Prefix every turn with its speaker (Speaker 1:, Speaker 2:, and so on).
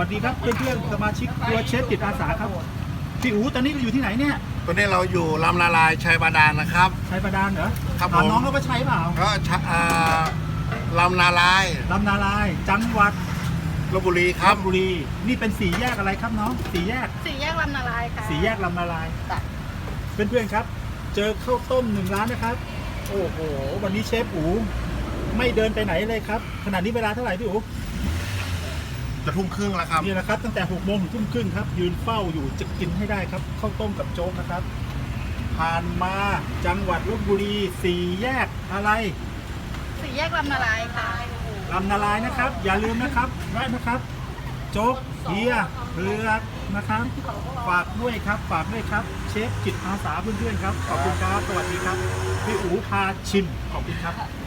Speaker 1: วัสดีครับเพื่อนๆสมาชิกครัวเชฟจิตอาสาครับพี่อู๋ตอนนี้เราอยู่ที่ไหนเนี่ย
Speaker 2: ตอนนี้เราอยู่ลำนาลายชัยบาดาลนะครับ
Speaker 1: ชัยบาดาลเหรอ
Speaker 2: ครับผม
Speaker 1: ถามน้องเขาว่าใช่เปล่า
Speaker 2: ก็ลำนาลาย
Speaker 1: ลำนาลายจังหวัด
Speaker 2: ลพบุรีครับ
Speaker 1: ลพบุรีนี่เป็นสี่แยกอะไรครับน้องสี่แยก
Speaker 3: ลำนาลายค่ะ
Speaker 1: สี่แยกลำนาลายเพื่อนๆครับเจอข้าวต้ม1 ร้านนะครับโอ้โหวันนี้เชฟอู๋ไม่เดินไปไหนเลยครับขณะนี้เวลาเท่าไหร่พี่อู๋
Speaker 2: จะทุ่มครึ่งแล้วครับ
Speaker 1: นี่แหละครับตั้งแต่6 โมงถึงทุ่มครึ่งครับยืนเฝ้าอยู่จะกินให้ได้ครับข้าวต้มกับโจ๊กนะครับผ่านมาจังหวัดลพบุรีสี่แยกอะไร
Speaker 3: สี่แยกลำนาลายค่ะ
Speaker 1: ลำนาลายนะครับอย่าลืมนะครับแวะนะครับโจ๊กเฮียเผือกนะครับฝากด้วยครับฝากด้วยครับเชฟจิตอาสาเพื่อนๆครับขอบคุณครับสวัสดีครับพี่อู๋พาชิมขอบคุณครับ